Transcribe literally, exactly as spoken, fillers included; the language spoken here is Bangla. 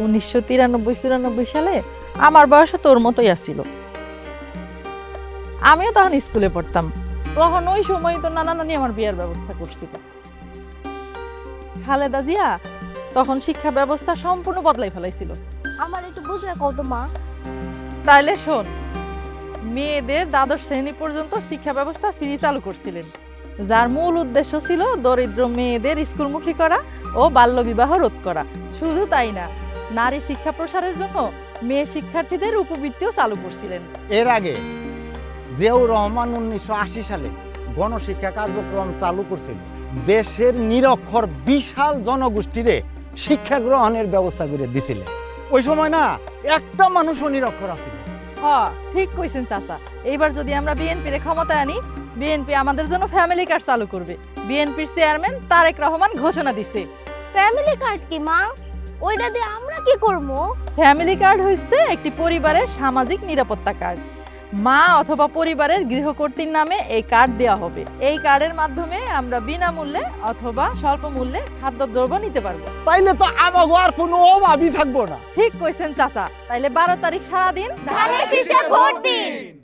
উনিশশো তিরানব্বই চুরানব্বই সালে আমার বয়সও তোর মতোই আসছিল। আমিও তখন স্কুলে পড়তাম। তখন ওই সময় তো নানা নানি আমার বিয়ের ব্যবস্থা করছিল। খালেদা জিয়া তখন শিক্ষা ব্যবস্থা সম্পূর্ণ বদলাই ফেলাইছিল। আমার একটু বুঝে কত মা। তাইলে শোন, মেয়েদের দ্বাদশ শ্রেণী পর্যন্ত শিক্ষা ব্যবস্থা ফ্রি চালু করছিলেন, যার মূল উদ্দেশ্য ছিল দরিদ্র মেয়েদের স্কুলমুখী করা ও বাল্যবিবাহ রোধ করা। শুধু তাই না, নারী শিক্ষা প্রসারের জন্য মেয়ে শিক্ষার্থীদের উপবৃত্তিও চালু করছিলেন। এর আগে জিয়াউর রহমান উনিশশো আশি সালে গণশিক্ষা কার্যক্রম চালু করছিল। দেশের নিরক্ষর বিশাল জনগোষ্ঠীরে শিক্ষা গ্রহণের ব্যবস্থা করে দিছিলেন। ওই সময় না একটা মানুষও নিরক্ষর আছিল। হ, ঠিক কইছেন চাচা। এইবার যদি আমরা বিএনপির ক্ষমতায় আনি, বিএনপি আমাদের জন্য ফ্যামিলি কার্ড চালু করবে। বিএনপির চেয়ারম্যান তারেক রহমান ঘোষণা দিছে। ফ্যামিলি কার্ড কি মা? ওইটা দিয়ে আমরা কি করব? ফ্যামিলি কার্ড হচ্ছে একটি পরিবারের সামাজিক নিরাপত্তা কার্ড। মা অথবা পরিবারের গৃহকর্তীর নামে এই কার্ড দেওয়া হবে। এই কার্ডের মাধ্যমে আমরা বিনামূল্যে অথবা স্বল্প মূল্যে খাদ্যদ্রব্য নিতে পারবো। তাইলে তো আমাগো আর কোনো অভাবই থাকবো না। ঠিক কইছেন চাচা। তাইলে বারো তারিখ সারাদিন ধানের শীষে ভোট দিন।